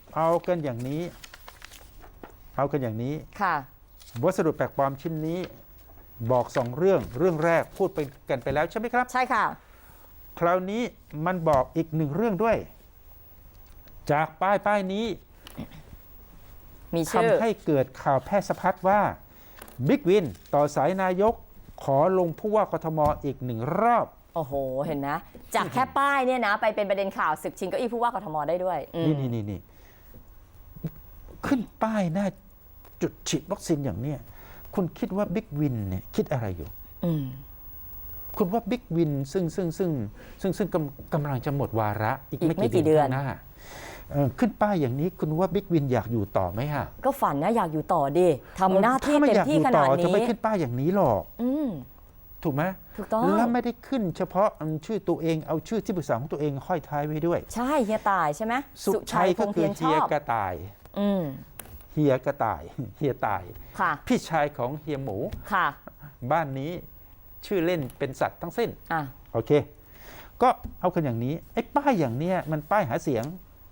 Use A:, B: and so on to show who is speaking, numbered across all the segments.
A: เอากันอย่างนี้
B: ค่ะ
A: วัสดุแปลกปลอมชิ้นนี้บอก2เรื่องแรกพูดไปกันไปแล้วใช่ไหมครับ
B: ใช่ค่ะ
A: คราวนี้มันบอกอีก1เรื่องด้วยจากป้ายนี้
B: มีชื่อ
A: ทำให้เกิดข่าวแพร่สะพัดว่าบิ๊กวินต่อสายนายกขอลงผู้ว่ากทมอีก1รอบ
B: โอ้โหเห็นนะจากแค่ป้ายเนี่ยนะไปเป็นประเด็นข่าวศึกชิงเก้าอี้ผู้ว่ากทมได้ด้วย
A: นี่ขึ้นป้ายหน้าจุดฉีดวัคซีนอย่างเนี้ยคุณคิดว่าบิ๊กวินเนี่ยคิดอะไรอยู่คุณว่าบิ๊กวินซึ่งกำลังจะหมดวาระอีกไม่กี่เดือนข้างหน้าขึ้นป้ายอย่างนี้คุณว่าบิ๊กวินอยากอยู่ต่อไหมฮะ
B: ก็ฝันนะอยากอยู่ต่อดิทำหน้าที่เต็มที่ขนาดนี้
A: จะไม่ขึ้นป้ายอย่างนี้หรอกถูกไหม
B: ถูกต้อง
A: แล้วไม่ได้ขึ้นเฉพาะชื่อตัวเองเอาชื่อที่ปรึกษาของตัวเองห้อยท้ายไว้ด้วย
B: ใช่เฮียตายใช่ไหม
A: สุชัยก็คือเฮียกระต่ายเฮียกระต่ายเฮียตายพี่ชายของเฮียหมูบ้านนี้ชื่อเล่นเป็นสัตว์ทั้งสิ้นโอเคก็เอากันอย่างนี้ไอ้ป้ายอย่างเนี้ยมันป้ายหาเสียง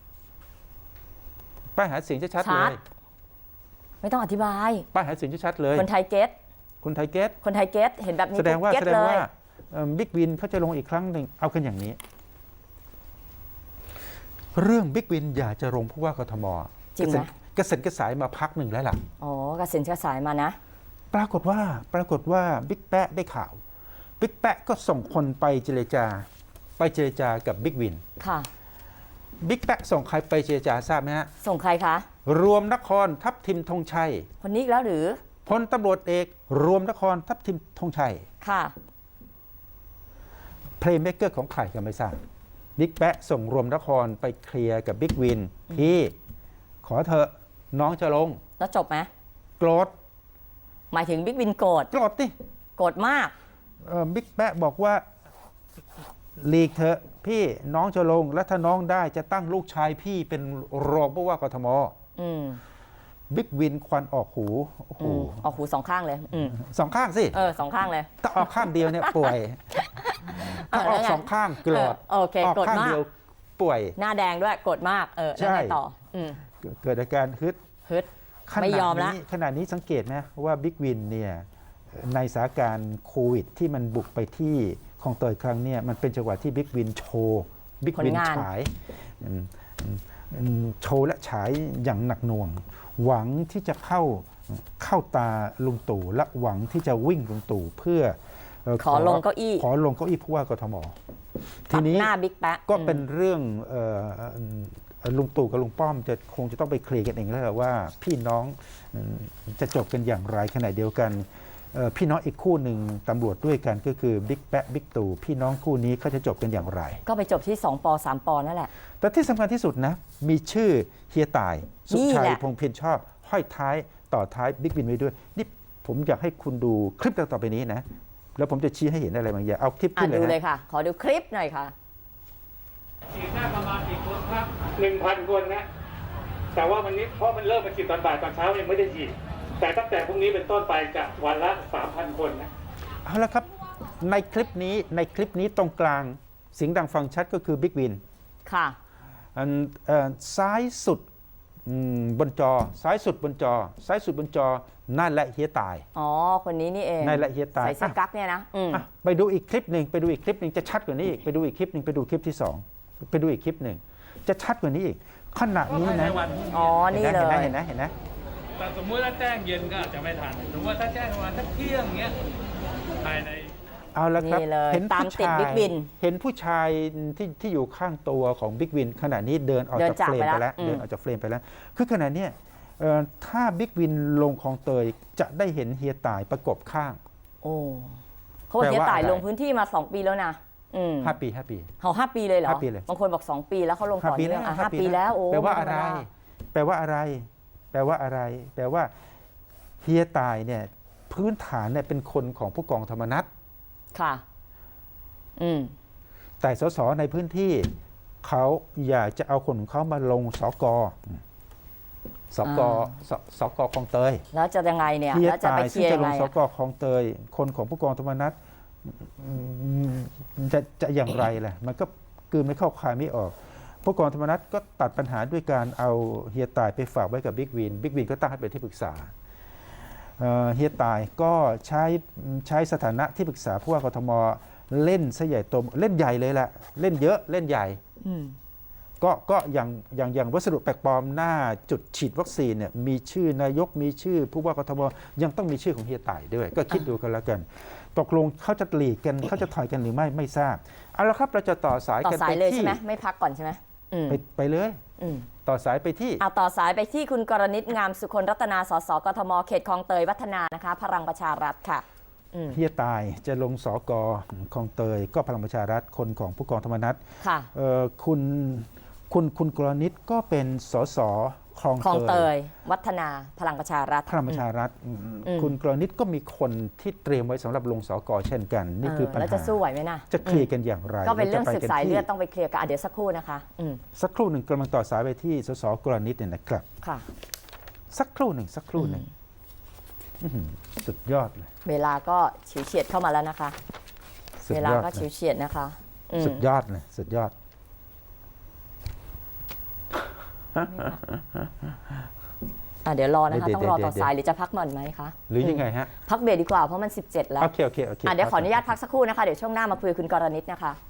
A: ชัดๆเลย
B: ไม่ต้องอธิบาย
A: ป้ายหาเสียงชัดๆเลย
B: คนไทยเก็ต
A: คนไทยเก็
B: ตเห็นแบบนี้
A: แสดงว่าบิ๊กวินเขาจะลงอีกครั้งหนึ่งเอากันอย่างนี้เรื่องบิ๊กวินอยากจะลงผู้ว่ากทม
B: จริงไหม
A: กระเซ็นกระสายมาพักหนึ่งแล้วล่ะ
B: อ๋อกระเซ็นกระสายมานะ
A: ปรากฏว่าบิ๊กแปะได้ข่าวบิ๊กแปะก็ส่งคนไปเจรจากับบิ๊กวิน
B: ค่ะ
A: บิ๊กแปะส่งใครไปเจรจาทราบไหมฮะ
B: ส่งใครคะ
A: รวมนครทัพทิมธงชัย
B: คนนี้แล้วหรือ
A: พลตำรวจเอกรวมนครทัพทิมธงชัย
B: ค่ะ
A: เพลย์เมคเกอร์ของใครก็ไม่ทราบบิ๊กแปะส่งรวมนครไปเคลียร์กับบิ๊กวินพี่ขอเถอะน้องจะลง
B: แล้วจบไหม
A: โกรธ
B: หมายถึงบิ๊กวินโกรธ
A: ดิ
B: โกรธมาก
A: บิ๊กแปะบอกว่าหลีกเถอะพี่น้องจะลงและถ้าน้องได้จะตั้งลูกชายพี่เป็นรองผู้ว่ากทมบิ๊กวินควันออกหู
B: ออกหู2ข้างเลย
A: 2ข้างสิ
B: 2ข้างเลย
A: ถ้าออกข้างเดียวเนี่ยป่วยถ้าออก2ข้างโกรธ
B: โอเคโกรธมาก
A: ป่วย
B: หน้าแดงด้วยโกรธมากแล้วไงต่อ
A: เกิดอาการฮึด
B: ไม่ยอมแล้ว
A: ขณะนี้สังเกตนะว่าบิ๊กวินเนี่ยในสถานการณ์โควิดที่มันบุกไปที่คลองเตยครั้งนี้มันเป็นจังหวะที่บิ๊กวินโชว์บิ๊กวินฉายและฉายอย่างหนักหน่วงหวังที่จะเข้าตาลุงตู่และหวังที่จะวิ่งลุงตู่เพื่อ
B: ขอลงเก้าอี้
A: ผู้ว่ากทมทีนี้ก็เป็นเรื่องลุงตู่กับลุงป้อมคงจะต้องไปเคลียร์กันเองแล้วว่าพี่น้องจะจบกันอย่างไรขณะเดียวกันพี่น้องอีกคู่หนึ่งตำรวจด้วยกันก็คือบิ๊กแปะบิ๊กตู่พี่น้องคู่นี้เขาจะจบกันอย่างไร
B: ก็ไปจบที่2 ป 3 ปนั่นแหละ
A: แต่ที่สำคัญที่สุดนะมีชื่อเฮียตายสุชัยพงษ์เพียรชอบห้อยท้ายต่อท้ายบิ๊กวินไว้ด้วยนี่ผมอยากให้คุณดูคลิปต่อไปนี้นะแล้วผมจะชี้ให้เห็นอะไรบางอย่างเอาคลิปขึ้นเลย
B: ดูเลยค่ะขอดูคลิปหน่อยค่ะ
C: ฉีดได้ประมาณกี่คนครับ 1,000 คนนะแต่ว่าวันนี้เพราะมันเริ่มมาฉีดตอนบ่ายตอนเช้ายังไม่ได้ฉีดแต่ตั้งแต่พรุ่งนี้เป็นต้นไปจะวันละ 3,000 คนนะ
A: เอาละครับในคลิปนี้ตรงกลางเสียงดังฟังชัดก็คือบิ๊กวิน
B: ค่ะ
A: ซ้ายสุดบนจอซ้ายสุดบนจอนั่นแหละเฮียตาย
B: คนนี้นี่เอง
A: นั่นแหละเฮียตาย
B: ใส่เสื้อกั๊กเนี่ยนะ
A: ไปดูอีกคลิปหนึ่งจะชัดกว่านี้อีกไปดูอีกคลิปหนึ่งไปดูคลิปที่2ไปดูอีกคลิปหนึ่งจะชัดกว่านี้อีกขณะนี้นะ
B: นี่เลย
A: เห็นนะ
C: แต่สมมติถ้าแจ้งเย็นก็อาจจะไม่ทันสมมติว่าถ้าแจ้งประมาณสักเที่ยงเงี้ยภายใน
A: เอาละครับ
B: เห็น
A: ผู้ชายที่อยู่ข้างตัวของบิ๊กวินขณะนี้เดินออกจากเฟรมไปแล้วคือขณะนี้ถ้าบิ๊กวินลงคลองเตยจะได้เห็นเฮียตายประกบข้าง
B: เขาบอกเฮียตายลงพื้นที่มา2 ปีแล้วนะ
A: 5 ปี
B: เขา5 ปีเลยเหรอบางคนบอก2 ปีแล้วเขาลงต่อเนื่อง5 ปีแล้ว
A: แปลว่าอะไรแปลว่าเฮียตายเนี่ยพื้นฐานเนี่ยเป็นคนของผู้กองธรรมนัส
B: ค่ะ
A: แต่สสในพื้นที่เขาอยากจะเอาคนของเขามาลงสกคลองเตย
B: แล้วจะยังไงเนี่ย
A: แล้วจะไปเคลียร์ยังไงสกคลองเตยคนของผู้กองธรรมนัสจะอย่างไรล่ะมันก็กืนไม่เข้าคายไม่ออกผู้กองธรรมนัฐก็ตัดปัญหาด้วยการเอาเฮียตายไปฝากไว้กับบิ๊กวินก็ตั้งให้เป็นที่ปรึกษาเฮียตายก็ใช้สถานะที่ปรึกษาผู้ว่ากทมเล่นซะใหญ่โตเล่นใหญ่เลยแหละเล่นเยอะเล่นใหญ่ก็อย่างวัสดุแปลกปลอมหน้าจุดฉีดวัคซีนเนี่ยมีชื่อนายกมีชื่อผู้ว่ากทมยังต้องมีชื่อของเฮียตายด้วยก็คิดดูกันแล้วกันตกลงเขาจะหลีกกันเขาจะถอยกันหรือไม่ทราบเอาละครับเราจะต่อสาย
B: ต่อ
A: กัน
B: สา
A: ไป
B: ยเลย
A: ที่
B: ใช่ไหมไม่พักก่อนใช่ไหม
A: ไปเลยต่อสายไปที่
B: เอาต่อสายไปที่คุณกรณิตงามสุคนรัตนาสสกทมเขตคลองเตยวัฒนานะคะพลังประชารัฐค่ะ
A: เฮียตายจะลงสกคลองเตยก็พลังประชารัฐคนของผู้กองธรรมนัฐ
B: ค่ะ
A: คุณกรณิตก็เป็นสสคลอง
B: เตยวัฒนาพลังประชารัฐ
A: คุณกรณิตก็มีคนที่เตรียมไว้สำหรับลงสกเช่นกันนี่คือปัญหา
B: แล้วจะสู้ไหวไหมนะ
A: จะเคลียร์กันอย่างไร
B: ก็เป็นเรื่องศึกสายเลือดต้องไปเคลียร์กันเดี๋ยวสักครู่นะคะ
A: สักครู่หนึ่งกำลังต่อสายไปที่สสกรณิตเนี่ยนะครับ
B: ค่ะ
A: สักครู่หนึ่งสุดยอดเลย
B: เวลาก็ฉิวเฉียดเข้ามาแล้วนะคะเวลาก็ฉิวเฉียดนะคะ
A: สุดยอดเลยสุดยอด
B: เดี๋ยวรอนะคะต้องรอต่อสายหรือจะพักหน่อยไหมคะ
A: หรือยังไงฮะ
B: พักเบรกดีกว่าเพราะมัน17แล้ว
A: โอเค
B: เดี๋ยวขออนุญาตพักสักครู่นะคะเดี๋ยวช่วงหน้ามาคุยกับคุณกรณิตนะคะ